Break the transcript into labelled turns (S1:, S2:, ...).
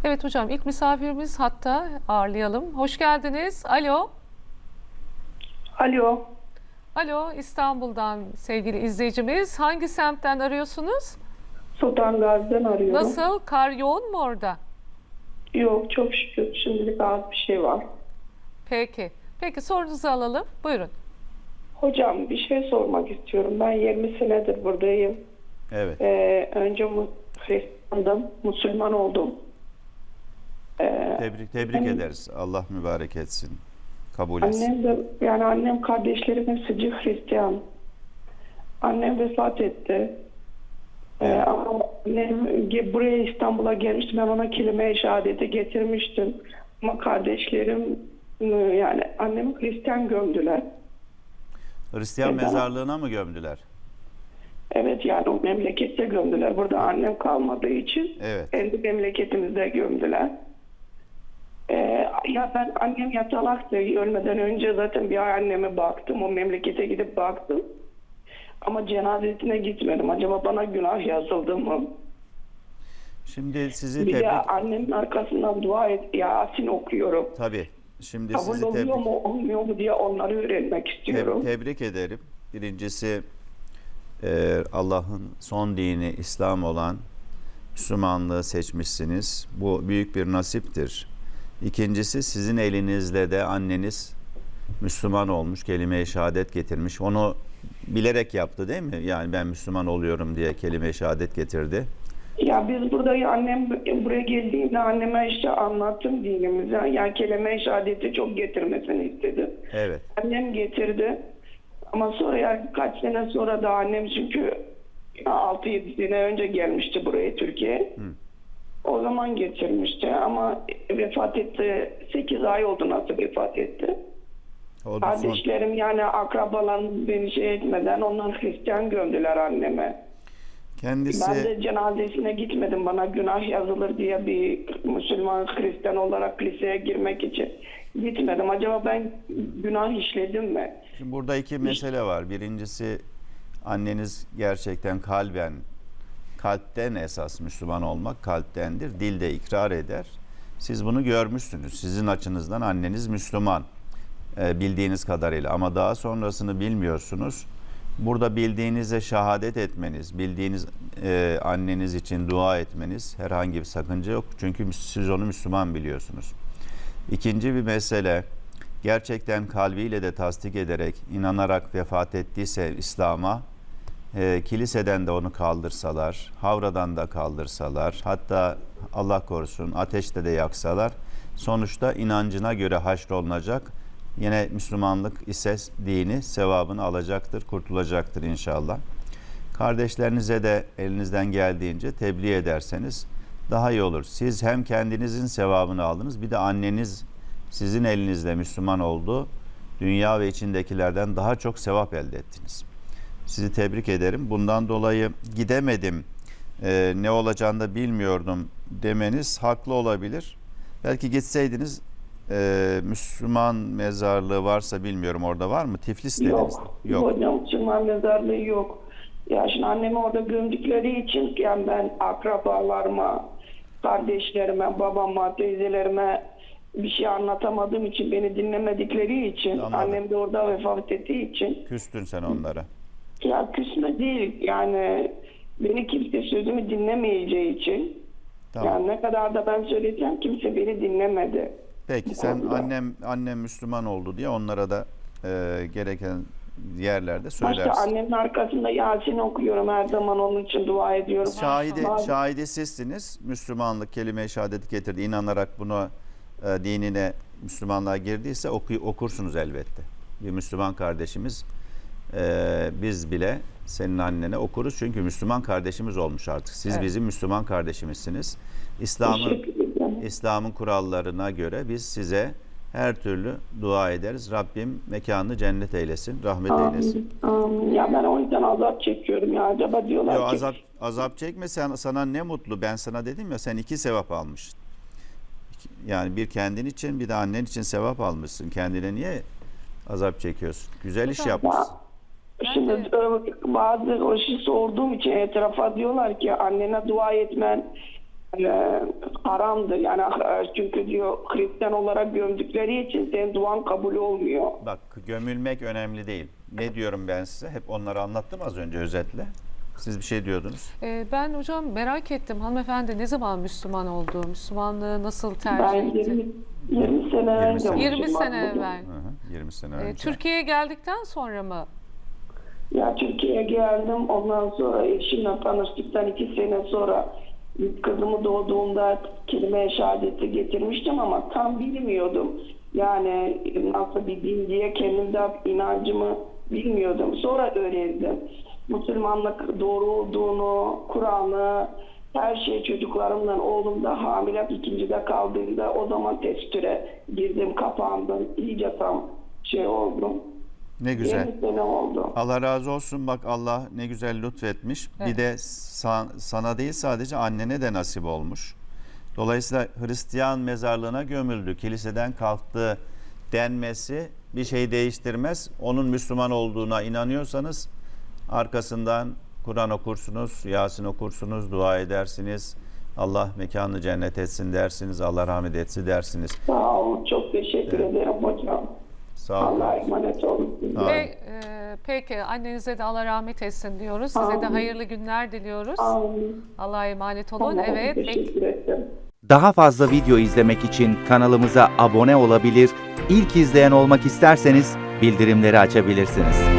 S1: Evet hocam, ilk misafirimiz hatta ağırlayalım. Hoş geldiniz. Alo.
S2: Alo,
S1: Alo, İstanbul'dan sevgili izleyicimiz. Hangi semtten arıyorsunuz?
S2: Sultan Gazi'den arıyorum.
S1: Nasıl? Kar yoğun mu orada?
S2: Yok, çok şükür şimdilik az bir şey var.
S1: Peki. Peki sorunuzu alalım. Buyurun.
S2: Hocam bir şey sormak istiyorum. Ben 20 senedir buradayım.
S3: Evet.
S2: Önce Hristiyandım, Müslüman oldum.
S3: Tebrik ederiz. Allah mübarek etsin. Kabul etsin.
S2: Annem de, yani annem kardeşlerim hepsi Hristiyan. Annem vefat etti.
S3: Evet.
S2: Ama annem buraya İstanbul'a gelmişti. Ben ona kelime-i şehadeti getirmiştim. Ama kardeşlerim yani annemi Hristiyan gömdüler.
S3: Hristiyan
S2: Neden?
S3: mezarlığına mı gömdüler?
S2: Evet, yani o memlekette gömdüler. Burada annem kalmadığı için
S3: Evet.
S2: kendi memleketimizde gömdüler. Ya ben annem yatalaktı. Ölmeden önce zaten bir ay anneme baktım. O memlekete gidip baktım. Ama cenazesine gitmedim. Acaba bana günah yazıldı mı?
S3: Şimdi sizi
S2: Bir de
S3: tebrik...
S2: annemin arkasından dua et. Yasin okuyorum.
S3: Tabii. Şimdi
S2: Kabul
S3: sizi
S2: oluyor mu olmuyor mu diye onları öğrenmek istiyorum.
S3: tebrik ederim. Birincisi Allah'ın son dini İslam olan Müslümanlığı seçmişsiniz. Bu büyük bir nasiptir. İkincisi sizin elinizle de anneniz Müslüman olmuş, kelime-i şehadet getirmiş. Onu bilerek yaptı değil mi? Yani ben Müslüman oluyorum diye kelime-i şehadet getirdi.
S2: Ya biz burada annem buraya geldiğinde anneme işte anlattım dinimizi. Yani kelime-i şehadeti çok getirmesini istedim.
S3: Evet.
S2: Annem getirdi. Ama sonra yani kaç sene sonra da annem çünkü 6-7 sene önce gelmişti buraya Türkiye'ye. O zaman getirmişti ama vefat etti. 8 ay oldu nasıl vefat etti.
S3: O da son.
S2: Kardeşlerim yani akrabalarım beni şey etmeden onlar Hristiyan gömdüler anneme.
S3: Kendisi
S2: Ben de cenazesine gitmedim. Bana günah yazılır diye bir Müslüman Hristiyan olarak liseye girmek için gitmedim. Acaba ben günah işledim mi?
S3: Şimdi burada iki mesele var. Birincisi anneniz gerçekten kalpten esas Müslüman olmak kalptendir. Dilde ikrar eder. Siz bunu görmüşsünüz. Sizin açınızdan anneniz Müslüman bildiğiniz kadarıyla ama daha sonrasını bilmiyorsunuz. Burada bildiğinize şehadet etmeniz, bildiğiniz anneniz için dua etmeniz herhangi bir sakınca yok. Çünkü siz onu Müslüman biliyorsunuz. İkinci bir mesele, gerçekten kalbiyle de tasdik ederek, inanarak vefat ettiyse İslam'a, kiliseden de onu kaldırsalar, havradan da kaldırsalar, hatta Allah korusun ateşte de yaksalar, sonuçta inancına göre haşrolunacak. Yine Müslümanlık ise dini sevabını alacaktır, kurtulacaktır inşallah. Kardeşlerinize de elinizden geldiğince tebliğ ederseniz daha iyi olur. Siz hem kendinizin sevabını aldınız, bir de anneniz sizin elinizle Müslüman oldu. Dünya ve içindekilerden daha çok sevap elde ettiniz. Sizi tebrik ederim. Bundan dolayı gidemedim, ne olacağını da bilmiyordum demeniz haklı olabilir. Belki gitseydiniz Müslüman mezarlığı varsa bilmiyorum, orada var mı? Tiflis dediniz.
S2: Yok. Hocam Müslüman mezarlığı yok. Ya şimdi annemi orada gömdükleri için yani ben akrabalarıma, kardeşlerime, babama, teyzelerime bir şey anlatamadığım için, beni dinlemedikleri için,
S3: Anladım.
S2: annem de orada vefat ettiği için.
S3: Küstün sen onlara.
S2: Ya küsme değil yani beni kimse sözümü dinlemeyeceği için.
S3: Tamam.
S2: Yani ne kadar da ben söyleyeceğim kimse beni dinlemedi.
S3: Peki sen annem Müslüman oldu diye onlara da gereken yerlerde söylersin.
S2: Başta annemin arkasında Yasin okuyorum, her zaman onun için dua ediyorum.
S3: Şahide sizsiniz. Müslümanlık kelime-i şehadeti getirdi. İnanarak bunu dinine, Müslümanlığa girdiyse okursunuz elbette. Bir Müslüman kardeşimiz, biz bile senin annene okuruz çünkü Müslüman kardeşimiz olmuş artık. Siz bizim Müslüman kardeşimizsiniz. İslam'ın kurallarına göre biz size her türlü dua ederiz. Rabbim mekanını cennet eylesin, rahmet eylesin.
S2: Ya ben o yüzden azap çekiyorum ya. Acaba diyorlar ki...
S3: Azap çekme, sana ne mutlu. Ben sana dedim ya, sen 2 sevap almışsın. Yani bir kendin için, bir de annen için sevap almışsın. Kendine niye azap çekiyorsun? Güzel iş yapmışsın.
S2: Şimdi bazı o işi sorduğum için etrafa diyorlar ki annene dua etmen haramdır. Yani çünkü diyor Hristiyan olarak gömdükleri için senin duan kabul olmuyor.
S3: Bak, gömülmek önemli değil. Ne diyorum ben size? Hep onları anlattım az önce özetle. Siz bir şey diyordunuz.
S1: Ben hocam merak ettim. Hanımefendi ne zaman Müslüman oldu? Müslümanlığı nasıl
S2: Ben
S1: tercih etti?
S2: 20 sene
S3: 20
S2: önce
S3: sene.
S1: 20
S2: Müslüman
S1: sene
S2: oldum.
S1: evvel.
S3: Hı hı, 20 sene önce.
S1: Türkiye'ye geldikten sonra mı?
S2: Ya Türkiye'ye geldim. Ondan sonra eşimle tanıştıktan 2 sene sonra kızımı doğduğumda kelime-i şehadeti getirmiştim ama tam bilmiyordum. Yani nasıl bir din diye kendimde inancımı bilmiyordum. Sonra öğrendim. Müslümanlık doğru olduğunu, Kur'an'ı, her şey çocuklarımdan, oğlum da hamile 2'de kaldığında o zaman testüre girdim, kapandım. İyice tam oldum.
S3: Ne güzel.
S2: 20 sene oldu.
S3: Allah razı olsun, bak Allah ne güzel lütfetmiş.
S1: Evet.
S3: Bir de sana değil, sadece annene de nasip olmuş. Dolayısıyla Hristiyan mezarlığına gömüldü, kiliseden kalktı denmesi bir şey değiştirmez. Onun Müslüman olduğuna inanıyorsanız arkasından Kur'an okursunuz, Yasin okursunuz, dua edersiniz. Allah mekanını cennet etsin dersiniz, Allah rahmet etsin dersiniz.
S2: Sağ olun. Çok teşekkür ederim hocam.
S3: Sağ olun.
S2: Allah'a emanet olun.
S3: Sağ olun.
S1: Peki annenize de Allah rahmet etsin diyoruz. Size de
S2: Amin.
S1: hayırlı günler diliyoruz.
S2: Amin.
S1: Allah'a emanet olun.
S2: Tamam,
S1: Evet.
S2: teşekkür ederim.
S4: Daha fazla video izlemek için kanalımıza abone olabilir, ilk izleyen olmak isterseniz bildirimleri açabilirsiniz.